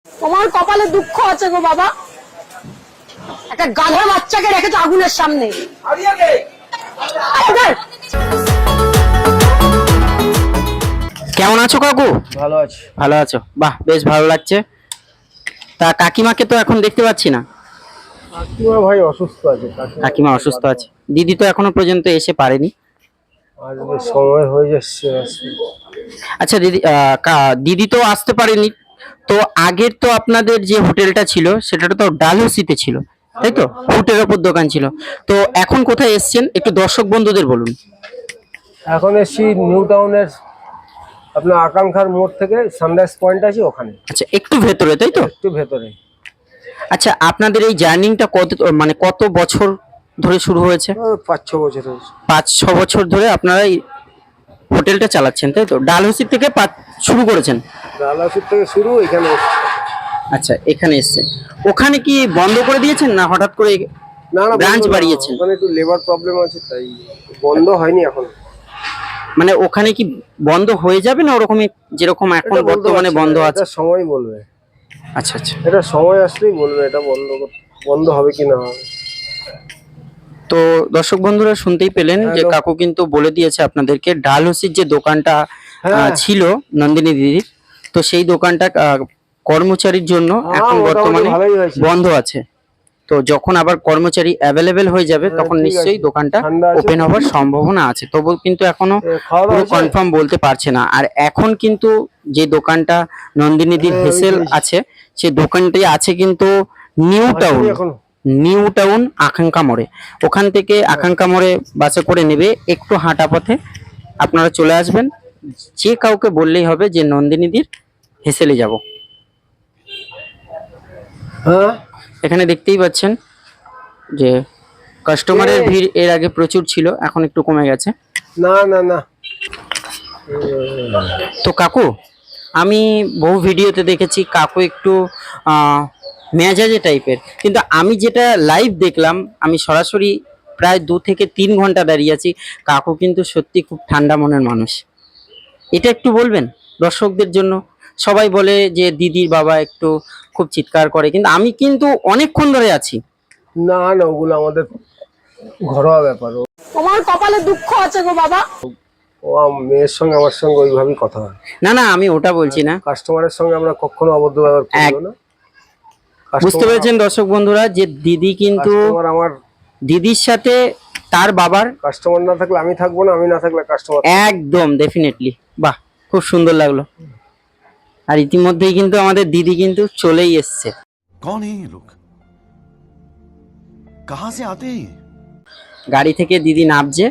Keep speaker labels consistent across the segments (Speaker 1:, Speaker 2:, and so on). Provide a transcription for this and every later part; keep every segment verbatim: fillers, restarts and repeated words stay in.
Speaker 1: তোমার কপালে দুঃখ আছে গো বাবা, একটা গাধা বাচ্চাকে রেখেছো আগুনের সামনে।
Speaker 2: কেমন আছো কাকু?
Speaker 3: ভালো আছি।
Speaker 2: ভালো আছো? বাহ, বেশ ভালো লাগছে। তা কাকিমাকে তো এখন দেখতে পাচ্ছি না।
Speaker 3: কাকিমা ভাই অসুস্থ আছে।
Speaker 2: কাকিমা অসুস্থ আছে, দিদি তো এখনো পর্যন্ত এসে পারেনি।
Speaker 3: আসবে, সময় হয়ে যাচ্ছে।
Speaker 2: আচ্ছা দিদি, আহ, কা- দিদি তো আসতে পারেনি। তো আগের তো আপনাদের যে হোটেলটা ছিল সেটা তো ডালহৌসিতে ছিল, তাই তো? ফুটের ওপর দোকান ছিল। তো এখন কোথায় এসছেন একটু দর্শক বন্ধুদের বলুন।
Speaker 3: এখন এসছি নিউ টাউনের আপনার আকাঙ্ক্ষার মোড় থেকে সানরাইজ পয়েন্ট আছে ওখানে।
Speaker 2: আচ্ছা, একটু ভেতরে, তাই তো?
Speaker 3: একটু ভেতরে।
Speaker 2: আচ্ছা, আপনাদের এই জার্নিটা কত, মানে কত বছর ধরে শুরু হয়েছে?
Speaker 3: ও, পাঁচ ছ বছর হয়েছে।
Speaker 2: পাঁচ ছ বছর ধরে আপনারা এই হোটেলটা চালাচ্ছেন, তাই তো? ডালহৌসি থেকে পা- শুরু করেছেন?
Speaker 3: ডালাসুর থেকে শুরু, এখানে এসছি।
Speaker 2: আচ্ছা, এখানে এসছেন। ওখানে কি বন্ধ করে দিয়েছেন না হঠাৎ করে
Speaker 3: না না,
Speaker 2: ব্রাঞ্চ
Speaker 3: বন্ধ না,
Speaker 2: বাড়িয়েছেন?
Speaker 3: ওখানে একটু লেবার প্রবলেম আছে তাই বন্ধ হয়নি এখন।
Speaker 2: মানে ওখানে কি বন্ধ হয়ে যাবে না ওরকমই যেরকম এখন
Speaker 3: এটা বলতে
Speaker 2: বর্তমানে
Speaker 3: পারছি
Speaker 2: বন্ধ
Speaker 3: না,
Speaker 2: আছে?
Speaker 3: এটা সময় বলবে।
Speaker 2: আচ্ছা আচ্ছা।
Speaker 3: এটা সময় আসলেই বলবে এটা বন্ধ কর- বন্ধ হবে কি না হবে।
Speaker 2: তো দর্শক বন্ধুরা শুনতেই পেলেন যে
Speaker 3: হ্যালো।
Speaker 2: কাকু কিন্তু বলে দিয়েছে আপনাদেরকে ডালহৌসির যে দোকানটা আহ,
Speaker 3: হ্যাঁ।
Speaker 2: ছিল নন্দিনী দিদির, তো সেই দোকানটা আহ, কর্মচারীর জন্য
Speaker 3: হ্যাঁ,
Speaker 2: এখন
Speaker 3: মোটামুটি
Speaker 2: বর্তমানে
Speaker 3: ভালোই হয়েছে।
Speaker 2: বন্ধ আছে। তো যখন আবার কর্মচারী অ্যাভেলেবেল হয়ে যাবে
Speaker 3: হ্যাঁ,
Speaker 2: তখন
Speaker 3: ঠিক
Speaker 2: নিশ্চয়ই
Speaker 3: আছে।
Speaker 2: দোকানটা
Speaker 3: ঠান্ডা আছে
Speaker 2: ওপেন
Speaker 3: তো?
Speaker 2: হওয়ার সম্ভাবনা আছে, তবু কিন্তু এখনো
Speaker 3: এ, খাওয়া দাওয়া
Speaker 2: পুরো
Speaker 3: হয়েছে?
Speaker 2: কনফার্ম বলতে পারছে না। আর এখন কিন্তু যে দোকানটা নন্দিনীদির
Speaker 3: হ্যাঁ,
Speaker 2: হেসেল
Speaker 3: ওই যে-
Speaker 2: আছে, সেই দোকানটি আছে কিন্তু নিউ টাউন,
Speaker 3: আসেনি এখনো?
Speaker 2: নিউ টাউন আকাঙ্ক্ষা মোড়ে। ওখান থেকে আকাঙ্ক্ষা মোড়ে বাসে করে নেবে, একটু হাঁটা পথে আপনারা চলে আসবেন। যে কাউকে বললেই হবে যে নন্দিনীদির হেসেলে যাব।
Speaker 3: হ্যাঁ,
Speaker 2: এখানে দেখতেই পাচ্ছেন যে কাস্টমারের
Speaker 3: এই।
Speaker 2: ভিড় এর আগে প্রচুর ছিল, এখন একটু কমে গেছে।
Speaker 3: না না না।
Speaker 2: তো কাকু, আমি বহু ভিডিওতে দেখেছি কাকু একটু আহ, মেজাজে টাইপের, কিন্তু আমি যেটা লাইভ দেখলাম, আমি সরাসরি প্রায় দু থেকে তিন ঘন্টা দাঁড়িয়ে আছি, কাকু কিন্তু সত্যি খুব ঠান্ডা মনের মানুষ। এটা একটু বলবেন দর্শকদের জন্য। সবাই বলে যে দিদির বাবা একটু খুব চিৎকার করে, কিন্তু আমি কিন্তু অনেকক্ষণ ধরে আছি।
Speaker 3: না না, ওগুলো আমাদের ঘরোয়া ব্যাপার। ও-
Speaker 1: তোমার কপালে দুঃখ আছে গো বাবা।
Speaker 3: ও আম- মেয়ের সঙ্গে আমার সঙ্গে ওইভাবেই কথা হয়।
Speaker 2: না না, আমি ওটা বলছি না।
Speaker 3: কাস্টমারের সঙ্গে আমরা কখনো অবদ্ধ ব্যবহার করবো না।
Speaker 2: বুঝতে পেরেছেন দর্শক বন্ধুরা যে দিদি কিন্তু,
Speaker 3: কাস্টমার আমার,
Speaker 2: দিদির সাথে তার বাবার
Speaker 3: কাস্টমার না থাকলে আমি থাকবো না, আমি না থাকলে কাস্টমার।
Speaker 2: একদম ডেফিনেটলি। বাহ, খুব সুন্দর লাগলো। আর ইতিমধ্যেই কিন্তু আমাদের দিদি কিন্তু চলেই এসছে।
Speaker 4: कौन है ये लोग? कहां से आते हैं ये?
Speaker 2: গাড়ি থেকে দিদি নামছে,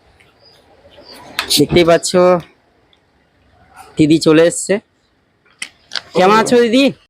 Speaker 2: দেখতেই পাচ্ছ দিদি চলে এসছে। কেমন আছো দিদি?